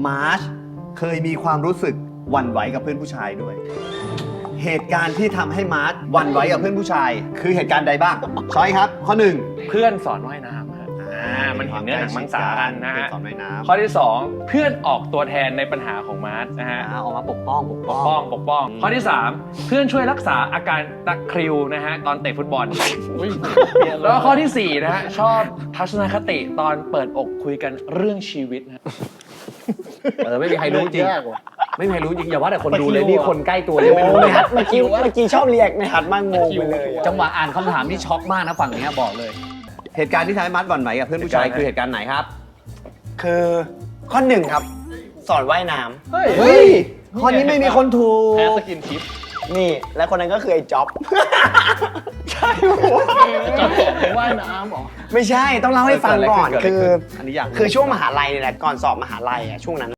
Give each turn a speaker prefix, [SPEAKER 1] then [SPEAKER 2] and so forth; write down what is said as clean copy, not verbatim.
[SPEAKER 1] มาร์ชเคยมีความรู้สึกหวั่นไหวกับเพื่อนผู้ชายด้วย เหตุการณ์ที่ทำให้มาร์ชหวั่นไหวกับเพื่อนผู้ชาย คือเหตุการณ์ใดบ้างช้อยครับข้อ 1
[SPEAKER 2] เพื่อนสอนว่ายน้ำครับมันเห็นเนื้อหนังมังสากันนะฮะ
[SPEAKER 1] เพื่อนสอนว่ายน้ำ
[SPEAKER 2] ข้อที่ 2 เพื่อนออกตัวแทนในปัญหาของมาร์ทนะฮะ
[SPEAKER 1] ออกมาปกป้อง
[SPEAKER 2] ปกป้อง ข้อที่ 3 เพื่อนช่วยรักษาอาการตะคริวนะฮะตอนเตะฟุตบอลแล้วก็ข้อที่ 4 นะฮะชอบทัศนคติตอนเปิดอกคุยกันเรื่องชีวิตนะ
[SPEAKER 3] ไม่มีใครรู้จริงไม่มีใครรู้จริงอย่าว่าแต่คนดูเลยนี่คนใกล้ตัวยังไม่รู้เลย
[SPEAKER 4] เมื่อกี้ชอบเรียกในฮัทมากงงไปเลย
[SPEAKER 3] จังหวะอ่านคำถามที่ช็อกมากนะฝั่งนี้บอกเลย
[SPEAKER 1] เหตุการณ์ที่ทำให้มาร์ชหวั่นไหวกับเพื่อนผู้ชายคือเหตุการณ์ไหนครับ
[SPEAKER 4] คือข้อ 1 ครับ สอนว่ายน้ำ
[SPEAKER 1] เฮ้ยข้อนี้ไม่มีคนถู
[SPEAKER 2] แพ้
[SPEAKER 1] ก
[SPEAKER 2] สกินทิป
[SPEAKER 4] นี่ และคนนั้นก็คือไอ้จ๊อบ
[SPEAKER 3] ว่ายน้ำหรอ
[SPEAKER 4] ไม่ใช่ต้องเล่าให้ฟังก่อน
[SPEAKER 1] เกิดอะไร
[SPEAKER 4] คือ
[SPEAKER 1] ขึ้นอันนี้อยากรู้
[SPEAKER 4] คือช่วงมหาลัยเนี่ยแหละก่อนสอบมหาลัยอะช่วงนั้น